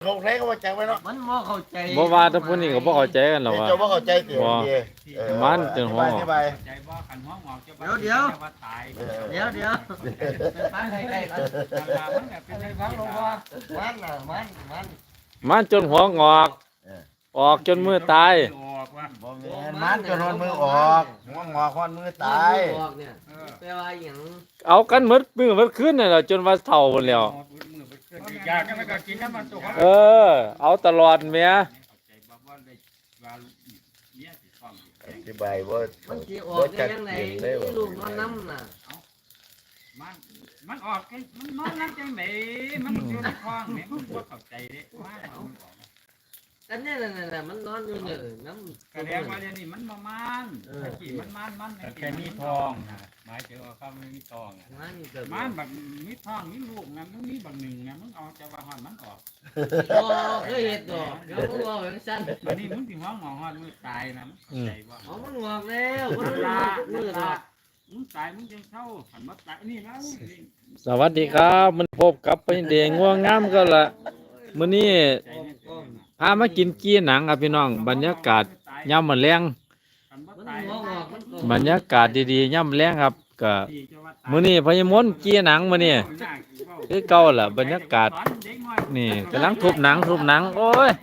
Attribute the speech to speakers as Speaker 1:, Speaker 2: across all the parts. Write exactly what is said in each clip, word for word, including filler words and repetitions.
Speaker 1: เขาแท้เขาว่าใจไว้เนาะ
Speaker 2: มันบ่เข้าใจ
Speaker 3: บ่ว่าแต่ผู้นี้ก็บ่เข้าใจกันหรอกว่า
Speaker 1: เจ้าว่าเข้าใจเสียดี
Speaker 3: มันจนหัว
Speaker 1: อธิบาย
Speaker 4: ใจบ่ขันหัวงอกจะ
Speaker 2: เดี๋ยวเดี๋ยว
Speaker 4: ว่าตาย
Speaker 2: เดี๋ยวเดี๋ยวเป็นฟังใกล้ๆกัน
Speaker 4: มันก็เป็นไอ้ฟังหลวงพ่อ
Speaker 2: มันน่ะมันมัน
Speaker 3: มันจนหัวงอก ออกจนมือตาย
Speaker 4: ออกว่า
Speaker 1: บ่แม่นมันจะนอนมือออกหัวงอคอนมือตาย
Speaker 2: มันบอกเนี่ยแปลว่าหยัง
Speaker 3: เอากันหมดมือหมดคืนนั่นแหละจนว่าเฒ่าหมดแล้ว
Speaker 4: อยากก็กินน้ำมันตัว
Speaker 3: เออ เอาตลอดแหม่
Speaker 4: ใจบ่ว่าได้ว่าเนี่ยสิฟ้อง
Speaker 1: อธิบายว่า
Speaker 2: มันสิออกได้ยังไงลูกมันน้ำน่ะ
Speaker 4: มันมันออกมันนอนนั่งจังไหนมันอยู่ในคลองแม่มันบ่เข้าใจเด้ว่าเอา
Speaker 2: กันเนี่ยน่ะมันนอนอยู่เนี่ยน้ำ
Speaker 4: กระแดงว่าเดี๋ยวนี้มันบ่มันตะกี้มันมันมันแค่มีทองหมายถึงว่าเขาไม่มีทอง
Speaker 2: มันเกิด
Speaker 4: มันแบบมีทองมีลูกนะมึงมีบางหนึ่งนะมึงเอาจะว่าหอนมันออก
Speaker 2: โอ้เคยเห็นดอกเดี๋ยวมึงบอกอย่างสั้น
Speaker 4: วันนี้มึงถึงว่าหมอหอนมือตายนะมึงใจว่า
Speaker 2: เอามันงอกแล้วมัน
Speaker 4: ลา
Speaker 2: มือ
Speaker 4: ลา
Speaker 2: ละ
Speaker 4: มึงตายมึงยังเข้าหันมาตายนี่แล้ว
Speaker 3: สวัสดีครับ มันพบกับไปเดงง่วงงามก็ละมื้อนี้พามากินกี้หนังครับพี่น้องบรรยากาศย่ำมื้อแลง
Speaker 2: มันงอกงอกมัน
Speaker 3: บรรยากาศดีๆย่ำแลงครับก็มื้อนี้พญมนต์กี้หนังมื้อนี้คือเก่าล่ะบรรยากาศนี่กำลังทุบหนังทุบหนังโอ้ย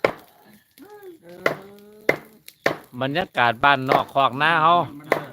Speaker 3: บรรยากาศบ้านนอกคอกหน้าเฮา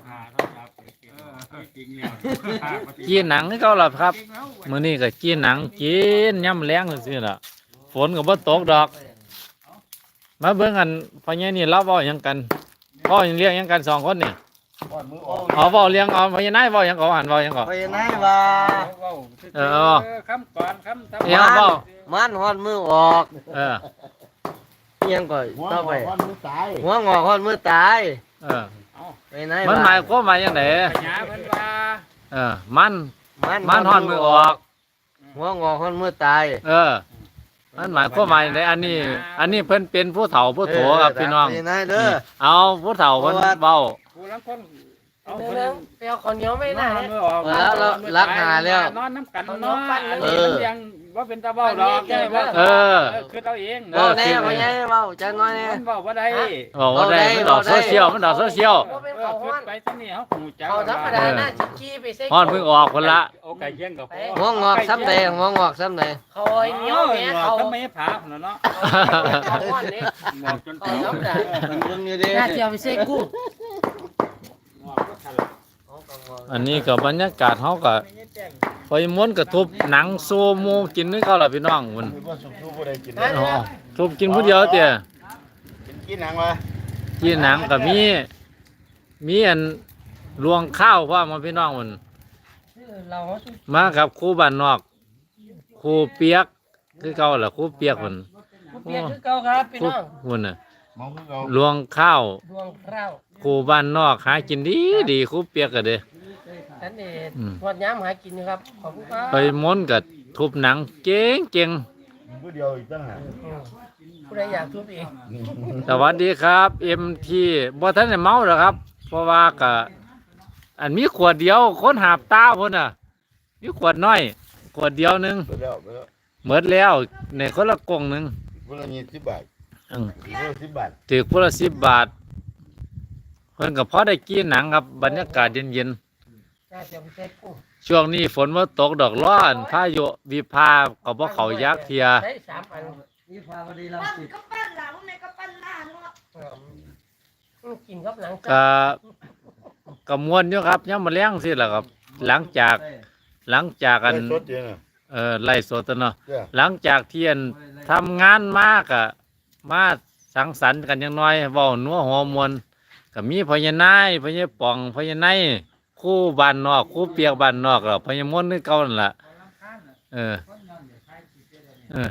Speaker 3: กี้หนังคือเก่าล่ะครับมื้อนี้ก็กี้หนังกินย่ำแลงซื่อๆล่ะฝนก็บ่ตกดอกมาเบิ่งกันพ่อใหญ่นี่เล่าเว้าหยังกันเว้าหยังเรียกหยังกันสองคนนี่
Speaker 1: ก้อนมือออก
Speaker 3: อ๋อเว้าเลี้ยงอ๋อพ่อใหญ่นายเว้าหยังก็หันเว้าหยังก็
Speaker 2: ไปไหนว่า
Speaker 3: เออ
Speaker 4: คำก่อนคำทำ
Speaker 3: เดี๋ยวเว้า
Speaker 2: มันหอดมือออก
Speaker 3: เออ
Speaker 2: ยังก่อน
Speaker 1: หัวง
Speaker 2: ต่อ
Speaker 1: อ
Speaker 2: ไป
Speaker 1: คอนมือตาย
Speaker 2: หัวงอกหอดมือตาย
Speaker 3: เออ
Speaker 2: ไปไหน
Speaker 3: มันหมายความว่าจังได
Speaker 4: หยาเพิ่นว่า
Speaker 3: เออมัน
Speaker 2: มัน
Speaker 3: มันหอนมือออก
Speaker 2: หัวงอกหอดมือตาย
Speaker 3: เออ มันหมายความว่าจังไดอันนี้ อันนี้เพิ่นเป็นผู้เฒ่าผู้โถครับพี่น้อง
Speaker 2: ไปไหนเด้อ
Speaker 3: เอาผู้เฒ่าเพิ่นเว้า
Speaker 4: ผู้ลังคนเอา
Speaker 5: เดี๋
Speaker 4: เพิ่
Speaker 5: ยวน ไปเอาคนเหนียวไม่ได้
Speaker 4: นอนมือออก
Speaker 2: แล้วเรารักหาแล้ว
Speaker 4: นอนน้ำกันเนาะอันนี้มันยังว่าเป็นตาเบ้าดอกแค่ว่า
Speaker 3: เออ
Speaker 4: คือเราเอง
Speaker 2: เบาแน่พ่อใหญ่เบาจังน้อยแน่
Speaker 4: มันบอกว่าได้
Speaker 3: บอกว่าได้มันดอกโซเชียลมันดอกโซเชียล
Speaker 5: ว่าเป็น
Speaker 4: เออ
Speaker 5: เขา
Speaker 4: ขึ้
Speaker 5: ห้อน น
Speaker 4: ไปที่นี่เขาหูจัก
Speaker 5: เขาธรรมดาน่าจิกี้ไปเซ็ก
Speaker 3: ฮอนเพิ่งออกคนละ
Speaker 4: โอ้ไก่เยี่ยงกับ
Speaker 2: หัวงอกซ้ำใดหัวงอกซ้ำใด
Speaker 5: เขาเหนียวแม่เขา
Speaker 4: ทำไมผาเนาะ
Speaker 5: เขาห้อนนี่
Speaker 4: หมอกจน
Speaker 5: เขาธรรมดา
Speaker 2: มันเบิ่งอยู่ดิ
Speaker 5: น่าจะเอาไปเซ็กกุ้ง
Speaker 4: หมอกก็ทัน
Speaker 3: อันนี้ก็บรรยากาศเฮาก็พอยม้วนก็ทุบหนังโซโมกินนึกเอาล่ะพี่น้องมัน
Speaker 1: คือว่าสุกๆบ่ได้กิน
Speaker 3: อ๋อทุบกินผู้เดียวเตี้ย
Speaker 1: กินกินหนังวะ
Speaker 3: กินหนังก็มี มีอันรวงข้าวพร้อมมาพี่น้องมัน
Speaker 5: เราสุ
Speaker 3: มากับครูบ้านนอกครูเปียกคือเก่าล่ะครูเปียกมัน
Speaker 5: เปียกคือเก่าครับพี่
Speaker 3: ครู
Speaker 5: น้อง
Speaker 3: มันน่ะ
Speaker 1: มองคือเขา
Speaker 3: รวงข้าว
Speaker 5: ดวงข้าว
Speaker 3: ครูบ้านนอกหากินดีดีครูเปียกก็เด้
Speaker 5: นั่นเองทอดย้ำหากินครับขอบคุณครับ
Speaker 3: ไปม้วนก็ทุบหนังเก่งเก่ง
Speaker 1: กินผู้เดียวอีกตั้งหาก
Speaker 5: ผู้ใดอยากทุบเอง
Speaker 3: สวัสดีครับเอ็มทีบ่ทันได้เมาหรอกครับ เพราะว่าก็อันมีขวดเดียวคนหาบตาพุ่นน่ะมีขวดน้อยขวดเดียวหนึง
Speaker 1: ไปแล้วไปแล้ว
Speaker 3: หมดแล้วในคนละกล่องหนึง
Speaker 1: คนละยี่สิบบาท
Speaker 3: อืม
Speaker 1: คนละสิบบาท
Speaker 3: ถือคนละสิบบาทเพิ่นก็พอได้กินหนังครับบรรยากาศเย็น
Speaker 5: น่าจะเอาไปเซ็กกุ้ง
Speaker 3: ๆช่วงนี้ฝนบ่ตกดอกร้อนพายุวิภาก็บ่เข้ายักเทีย
Speaker 5: ใช้สามอัน
Speaker 2: นี่พาพอดีเรา
Speaker 6: ปั้น
Speaker 2: สิ
Speaker 6: ก็ปั้นหลังแม่ก็ปั้นหน้าเนาะ
Speaker 5: อืมกินกับหนัง
Speaker 3: ก็ก็ม่วนอยู่ครับยามมื้อแลงสิล่ะครับ หลังจากหลังจากอัน
Speaker 1: ได้สดเดียวน่ะ
Speaker 3: เออไล่สดอะเนาะ
Speaker 1: เจ้า
Speaker 3: หลังจากเที่ยนทำงานมากอะมาสังสรรค์กันอย่างน้อยเว้านัวหัวมวลก็มีพญานายพญาป่องพญานายคู่บ้านนอกคู่เปียกบ้านนอกแล้วพญามนต์นี่เก่านั่นล่ะเออเออ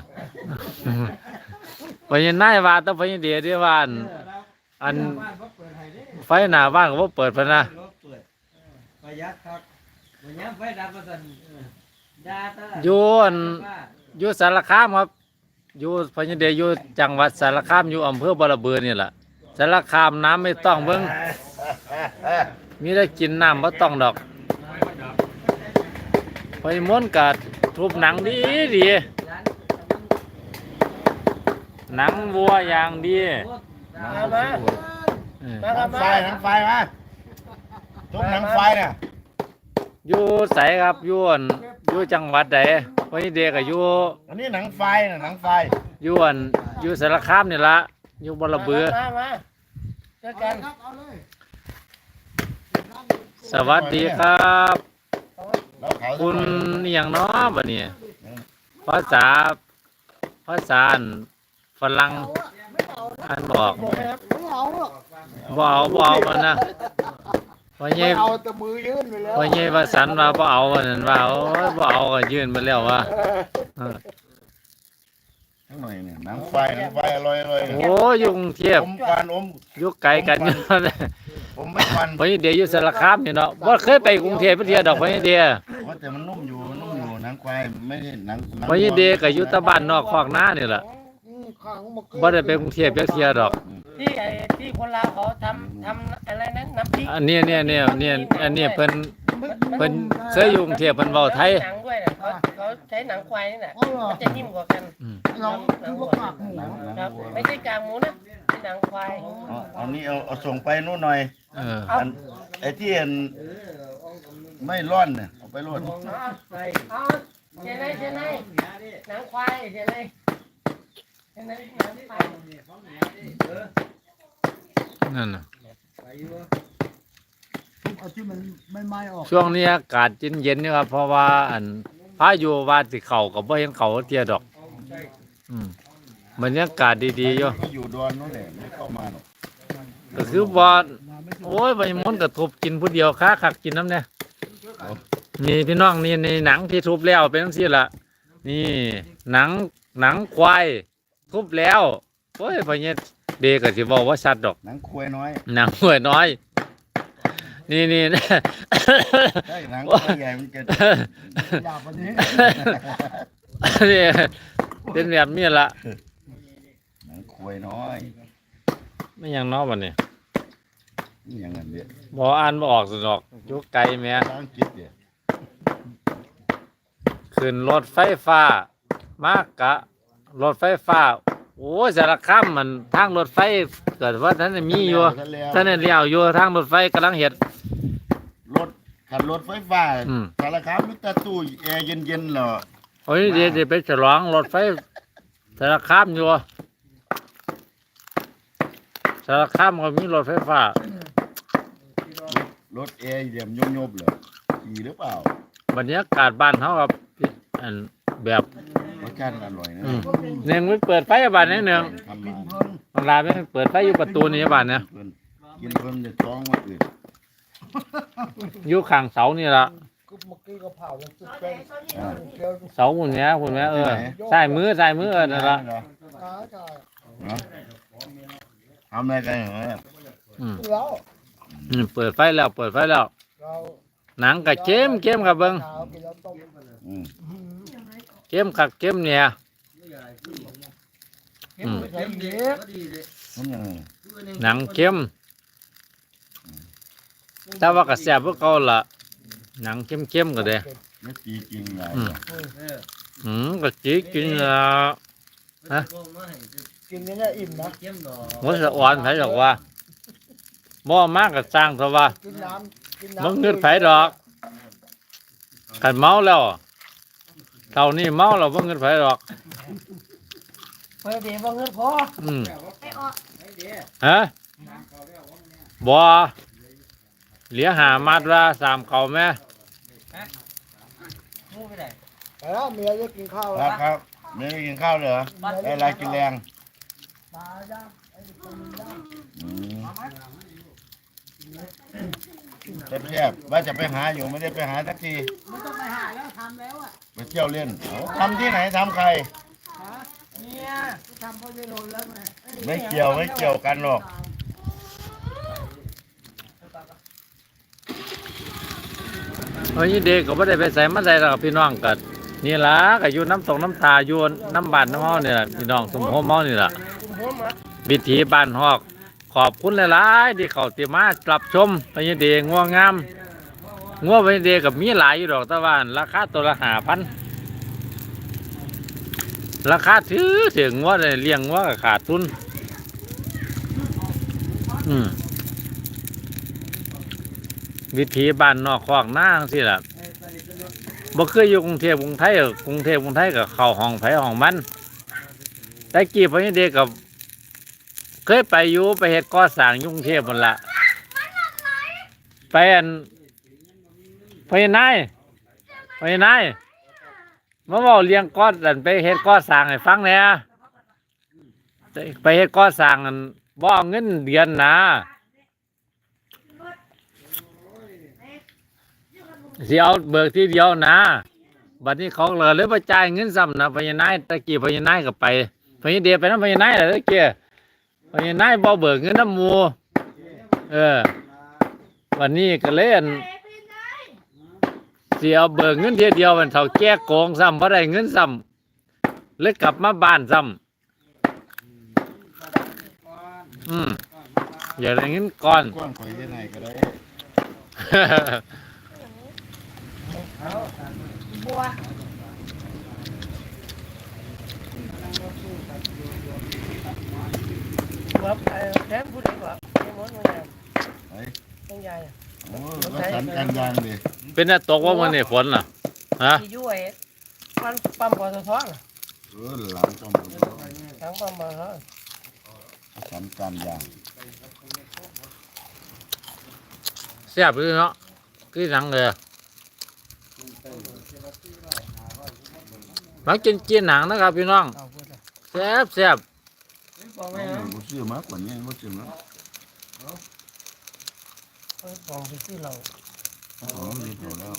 Speaker 3: พญานายว่าแต่พญาเดียที่ว่าอันอันไฟหน้าบ้านก็บ่เปิดพะนะ
Speaker 2: ประหยัดครับวันนี้ไฟดับมาสั่นดาตะ
Speaker 3: อยู่อันอยู่สารคามครับอยู่พญาเดียอยู่จังหวัดสารคามอยู่อำเภอบ่ระเบือนี่ล่ะสารคามน้ำไม่ต้องเบิ่งมีได้กินน้ำบ่ต้องดอกไปม้วนกัดทุบหนังดีดีหนังวัวอย่างดี
Speaker 5: มามา
Speaker 3: เออ
Speaker 5: มา
Speaker 1: ห
Speaker 5: ค
Speaker 1: นั
Speaker 5: รับ
Speaker 1: ง
Speaker 5: มา
Speaker 1: ไฟหนังไฟมาทุกหนังไฟเนี่ย
Speaker 3: อยู่ไสครับอยู่อั่นอยู่จังหวัดใดพอดีก็อยู่
Speaker 1: อันนี้หนังไฟนะหนังไฟ
Speaker 3: อยู่อั่นอยู่สารคามนี่ละอยู่บ่ระเบือ
Speaker 5: มามาเจอกัน
Speaker 3: สวัสดีครับ
Speaker 1: เราเขา
Speaker 3: คุณอหย่างน้อบัดนี้ภาษาภาษาอั่นฝรั่งอันบอก
Speaker 5: ผมไหมครับ
Speaker 3: บ่เอาบ่เอามันนะพ่อใหญ่
Speaker 1: เอาแต่มือยื่นไปแล้ว
Speaker 3: พ่อใหญ่ว่าสันว่าบ่เอาว่านั่นว่าโอ้ยบ่เอาก็ยื่นไปแล้วว่าเออ
Speaker 1: ทั้งหน่อยเนี่ยหนังไฟหนังไฟอร่อยอร่อย
Speaker 3: โอ้ยอยู่กรุงเทพ
Speaker 1: อมควันอม
Speaker 3: อยู่ไกลกันอยู่
Speaker 1: ผมไม่ควัน
Speaker 3: พ่อใหญ่เดียวอยู่สารคามนี่เนาะบ่เคยไปกรุงเทพเพิ่นเที่ยวดอกพ่อใหญ่เดีย
Speaker 1: ว่าแต่มันนุ่มอยู่มันนุ่มอยู่หนังควายไม่ใช่หนังหนัง
Speaker 3: พ่อใหญ่เดียก็อยู่แตะบ้านนอกคอกนานี่ล่ะบ่ได้ไปกรุงเทพจักเที่ยดอก
Speaker 5: ที่ไอ้ที่คนลาวเขาทำทำอะไรนั้นน้ำพริก
Speaker 3: อันนี้เนี่ยเนี่ยเนี่ยอันนี้เพิ่นเพิ่นเคยอยู่กรุงเทพเพิ่นเว้าไทย
Speaker 5: หนังด้วยน่ะเขาเขาใช้หนังควายนี่แหละมันจะนิ่มกว่ากัน
Speaker 3: อืม
Speaker 5: หนังหนังวัวครับไม่ใช่กากหมูนะเป็นหนังควาย
Speaker 1: เอาเอานี่เอาเอาส่งไปนู่นหน่อย
Speaker 3: เออ
Speaker 1: อันไอ้ที่อันไม่ร่อนเนี่ยเอาไปร่อน
Speaker 5: เอาเอาเจนายเจนายหนังควายเจนายเจนายหนังควาย
Speaker 3: นั่นน่ะ
Speaker 7: เอาที่มันไม่ไหม้ออก
Speaker 3: ช่วงนี้อากาศเย็นๆนี่ครับเพราะว่าอันพายุว่าสิเข้าก็บ่เห็นเข้าเที่ยดอกอืมบรรยากาศดีๆอยู่
Speaker 1: ที่อยู่ดอนนู่นแหละไม่เข้ามาหรอก
Speaker 3: ก็คือว่าโอ้ยใบมนต์ก็ทุบกินผู้เดียวค้าคักกินน้ำเนี่ยนี่พี่น้องนี่ในหนังที่ทุบแล้วเป็นจังซี่ล่ะนี่หนังหนังควายทุบแล้วโอ้ยพอเนี่ยเด็กก็สิบอกว่าสัตว์ดอก
Speaker 1: หนังควายน้อย
Speaker 3: หนังหัวยน้อย นี่นี่
Speaker 1: ใช่หนังควายใหญ่มันจะ
Speaker 7: อยากวันนี้
Speaker 3: นี่เป็นแบบนี้ละ
Speaker 1: หนังควายน้อย
Speaker 3: ไม่อยังน้อบัดนี้
Speaker 1: นี่อย่างนั้นเดียว
Speaker 3: บ่อ่านบ่ออกสนอกอยู่ไกลแหม่
Speaker 1: สร้างจิตเดียว
Speaker 3: ขึ้นรถไฟฟ้ามากกะรถไฟฟ้าโอ้ยสารคามมันทางรถไฟเกิดว่าท่านได้มีอยู่ท่านได้เลี้ยวอยู่ทางรถไฟกำลังเฮ็ด
Speaker 1: รถขับรถไฟฟ้า
Speaker 3: อืม
Speaker 1: สารคามมิตรตู้แอร์เย็นๆเหรอ
Speaker 3: โอ้ยเดี๋ยวจะไปฉลองรถไฟสารคามอยู่สารคามก็มีรถไฟฟ้าร
Speaker 1: ถแอร์เยี่ยมยบๆเหรอขี่หรือเปล่า
Speaker 3: บรรยากาศบ้านเฮากับอันแบบ
Speaker 1: รสชาติอร่อยนะ
Speaker 3: อืมหนึ่งมันเปิดไฟบ้านนี้หนึ่ง
Speaker 1: ทำมา
Speaker 3: บางร้านมันเปิดไฟอยู่ประตูนี้บ้านเนี่ย
Speaker 1: เพิ่นกินเพิ่นจะท้องมาอื่น
Speaker 3: อยู่ข้างเสานี่ล่ะ
Speaker 7: ก็เมื่อกี้ก็เผาแล้วสุด
Speaker 6: เอา
Speaker 7: ใจ
Speaker 6: ไหนเขาเนี่ย
Speaker 7: เดี๋ยว
Speaker 3: เสาหุ่นเนี้ยหุ่นเนี้ยเออใส่มือใส่มือเออนั่นละ
Speaker 1: เหรอ
Speaker 7: ตายตาย
Speaker 1: เนาะทำอะไรกันเหรอ
Speaker 3: อืม
Speaker 7: แล้ว
Speaker 3: อืมเปิดไฟแล้วเปิดไฟแล้ว
Speaker 7: เรา
Speaker 3: หนังกับเข้มเข้มกับเบิ้ง
Speaker 7: หนาวกินแล้วต้ม
Speaker 1: อืม
Speaker 3: เข้มคักเข้มเนี่ยอืม
Speaker 7: ใส่เยอะ
Speaker 1: มันยังไง
Speaker 3: หนังเข้มแต่ว่าก็แซ่บพวกเขาละหนังเข้มเข้มก็ได้
Speaker 1: ไม่ตีจริงไง
Speaker 3: อืม อืมก็จีกินละ
Speaker 7: กินนี่เนี่ยอิ่มนะ
Speaker 3: มันสะอ่อนไผดอกว่าบ่มากก็สร้างเถอะว่า
Speaker 7: กินน้ำกินน้ำ
Speaker 3: บ่เงินไผดอกคันเมาแล้วเท่านี้เมาแล้วบ่เงินไผดอก
Speaker 5: เพื่อเดี๋ยวว่าเงินพอ
Speaker 3: อืม
Speaker 6: ไปออก
Speaker 3: ฮะบ่เหลือหามัดว่าสามเขาแม่
Speaker 5: มูไปไหน
Speaker 7: ไปแล้วเมียจะกินข้าว
Speaker 1: ค
Speaker 7: แล้
Speaker 1: รั
Speaker 7: ว
Speaker 1: บครับไม่ได้กินข้าวเลยเหรอได้อะไรกินแรง
Speaker 7: มาจ้าไอ้คนย่าง
Speaker 1: อืมแซ่บๆว่าจะไปหาอยู่ไม่ได้ไปหาสักที
Speaker 7: ไม่ต้องไปหาแล้วทำแล้วอ่ะ
Speaker 1: ไปเที่ยวเล่นเอาทำที่ไหนทำใคร
Speaker 7: เนี่ยทำพ่อจะโดนแล้วไง
Speaker 1: ไม่เกี่ยวไม่เกี่ยวกันหรอก
Speaker 3: เฮ้ยเด็กก็ไม่ได้ไปใส่มาใส่หรอกพี่น้องกันนี่ล่ะก็อยู่น้ำตกน้ำตาอยู่น้ำบานน้ำเฮานี่ล่ะพี่น้องสมโภชเฮานี่ล่ะ
Speaker 5: คุณหัวหมา
Speaker 3: วิถีบ้านฮอก ขอบคุณหลายๆที่เขาติมารับชมพญเดงัวงามงัวพญเดกับมีหลายอยู่ดอกแต่ว่าราคาตัวละห้าพันราคาถือถึงว่าเลยเลี้ยงว่าก็ขาดทุนอืมวิถีบ้านนอกคอกหน้าจังซี่ล่ะบ่เคยอยู่กรุงเทพกรุงไทยกรุงเทพกรุงไทยก็เข้าห้องไผห้องมันแต่กี้พอนี้เด็กก็เคยไปอยู่ไปเฮ็ดก่อสร้างอยู่กรุงเทพนั่นล่ะไปอันไปนายไปนายมาเว้าเลี้ยงก่ออันไปเฮ็ดก่อสร้างให้ฟังแหน่ไปเฮ็ดก่อสร้างอันบ่เอาเงินเดือนนะสิเอาเบิกทีเดียวนะบัดนี้เขาเลยเลยมาจ่ายเงินซ้ำนะพญานายตะกี้พญานายก็ไปพญาเดียไปน้ำพญานายแหละตะกี้พญานายบ่เบิกเงินน้ำหมูเออวันนี้ก็เลยอั่นสิเอาเบิกเงินทีเดียวมันเท่าแก่โกงซ้ำบ่ได้เงินซ้ำเลยกลับมาบ้านซ้ำอืมอย่าได้เงินก่อน
Speaker 1: กว้างข่อยยังไงก็ได้
Speaker 5: บัวบัวเอ่อแถมผู้ใดบ่ไอ้หมดมันใหญ่
Speaker 1: ไป
Speaker 5: ต้องใหญ่อะ
Speaker 1: โอ้รักษาการยางดิ
Speaker 3: เป็นน่ะตกว่ามันนี่ฝนล่ะฮะ
Speaker 5: ที่อยู่ไอ้มันปั๊มปตทน่ะ
Speaker 1: เออหลังต้อง
Speaker 5: ทางปั๊มปตท
Speaker 1: รักษาการยาง
Speaker 3: แซ่บเลยเนาะคือหนังเลยมากินกินหนังนะครับพี่น้อง
Speaker 5: เอาพูดเลย
Speaker 3: แซ่บแซ่บ
Speaker 5: บอกไว้
Speaker 1: ไม่
Speaker 5: นะ
Speaker 1: รู้ซื้อมากกว่านี้รู้ซื้อมา
Speaker 5: เอ้ยบอกไปซื้อเรา
Speaker 1: อ๋อดีเท่าแล้ว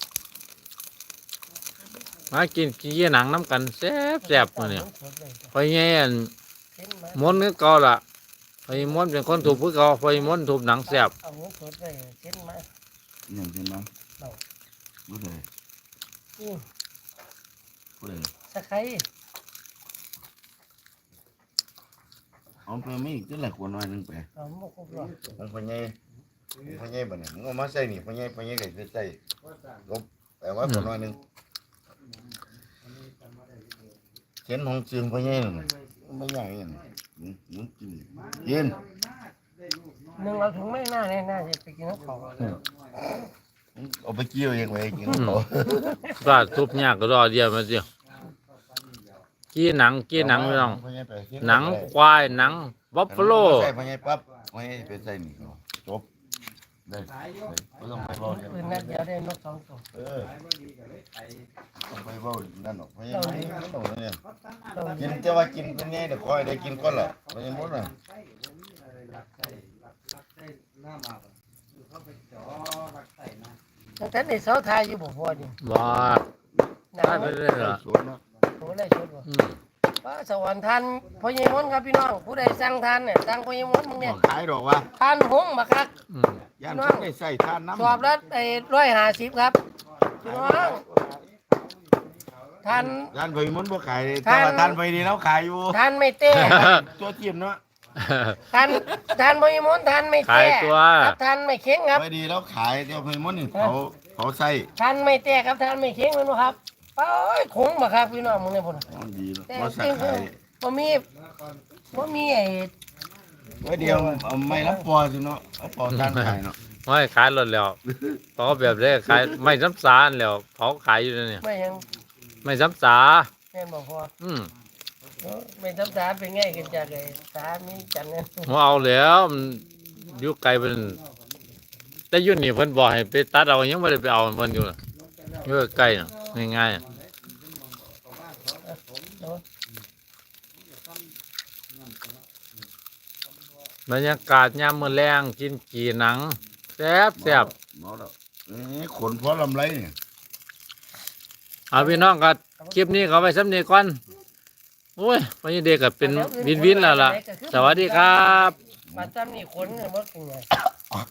Speaker 3: มากินกินหนังน้ำกันแซ่บแซ่บมาเนี่ย
Speaker 5: สดเลยจ้ะ
Speaker 3: พอแย่น
Speaker 5: เห็นไหม
Speaker 3: ม้วนนึกเก่าละพอม้วนเป็นคนถูกผู้เก่าพอม้วนถูกหนังแซ่บ
Speaker 5: เอาเงินสดเลยเห็นไหม
Speaker 1: อย่างเช่นนั้น
Speaker 5: เรา
Speaker 1: รู้เลย
Speaker 5: อืม
Speaker 1: รู้เลย
Speaker 5: ตะไคร้
Speaker 1: เอาไปไม่อีกจะหลักกว่าน้อยนึงไป
Speaker 5: เอาหมกครบหรอก
Speaker 1: มันพญายพญายบ่เนี่ยมึงเอามาใส่นี่พญายพญายก็จะใส่ลบแต่ว่าขอน้อยนึงเช่นของจึงพญายนั่นไม่ใหญ่อย่างนี้มึงกินกิน
Speaker 5: หนึ่งเราถึงไม่น่าแน่น่าจะไปกินน้ำเขา
Speaker 1: เอาไปเกี่ยวยังไงกินเขา
Speaker 3: ก็ทุบยากก็รอเดียวมาเดียวกี้หนังกี้หนังพี่น้องหนังควายหนังบัฟฟาโล
Speaker 1: ใส่พญายปั๊บพญายไปใส่นี่จบได้ไม่ต้องไปเบ้าเนี่ย
Speaker 5: ปืนนัดเดียวได้นกสองตัว
Speaker 1: เออต้องไปเบ้านั่นหรอกพญายไม่ต้องเนี่ย
Speaker 5: ตัว
Speaker 1: กินจะว่ากินเป็นไงเดี๋ยวคอยได้กินก่อนแหละพญายมดน่ะ
Speaker 5: ตั้งแต่ในเสาไทยอยู่บ่พอดิ
Speaker 3: บ้า
Speaker 5: หนั
Speaker 3: ได้
Speaker 5: ง
Speaker 3: ไปเรื่อยเหรอ
Speaker 1: สวนเนาะ
Speaker 5: โหเลยชุดบ่
Speaker 3: อืม
Speaker 5: ว่าสวรรค์ทานพ่อใหญ่มนต์ครับพี่น้องผู้ใดสั่งทานเนี่ยสั่งพ่อใหญ่มนต์มึงเนี่ย
Speaker 1: ขายดอกว่า
Speaker 5: ทานหงส์บักคัก
Speaker 3: อืม
Speaker 1: ย่านเขาได้ใส่ทานน้ำ
Speaker 5: สอบแล้วไอ้ร้อยห้าสิบครับพี่น้องทาน
Speaker 1: ย่านไปมันบ่ขายแต่ว่าทานไปดีแล้วขายอยู่
Speaker 5: ทานไม่เต้
Speaker 1: ตัวเทียมเนาะ
Speaker 5: ทานทานพ่อใหญ่มนต์ทานไม่
Speaker 3: ขาย
Speaker 5: เต้
Speaker 3: ตัว
Speaker 5: ครับทานไม่เค็งครับ
Speaker 1: ไปดีแล้วขายเดี๋ยวไปมันนี่เขาเขาใส่
Speaker 5: ทานไม่เต้ครับทานไม่เค็งแม่นบ่ครับโอ้ยคงบักคักพี่น้องมึงเนี่ยพุ่นน่ะ
Speaker 1: เอาดีแล้ว
Speaker 5: แต่
Speaker 1: บ่
Speaker 5: จ
Speaker 1: ใส่
Speaker 5: ริง
Speaker 1: ขาย
Speaker 5: ๆบ่มีบ่มีไอ้
Speaker 1: ไว้เดียวเอาไม่รับปอสิเนาะเอาปอทานขายเนาะ
Speaker 3: ไม่ขายรถแล้วเขาแบบนี้ขายไม่ซ้ำสารแล้วเขาขายอยู่เนี่ย
Speaker 5: ไม่ยัง
Speaker 3: ไม่ซ้ำสา
Speaker 5: แม่นบ่พอ
Speaker 3: อืม
Speaker 5: เออไม่ทำสาเป็นไงกันจากไอ้สามีจันเนี่ย
Speaker 3: ผมเอาแล้วมันอยู่ไกลเป็นแต่อยุ่นนี่เพิ่นบอกให้ไปตัดเอายังไม่ได้ไปเอาเพิ่นอยู่น่ะอยู่ใกล้ๆน่ะง่ายๆน่ะบรรยากาศยามมื้อแลงกินกี่หนังแซ่บแซ่บ
Speaker 1: เนาะแล้วนี่ขนพอลำไรเนี่ย
Speaker 3: เอาพี่น้องก็คลิปนี้เขาไปสำเนียก่อนโอ้ยวันนี้เด็กก็เป็นวินวินแล้วล่ะ สวัสดีครับ
Speaker 5: ปัจจุบันนี่คนเนี่ยมันเป็นไง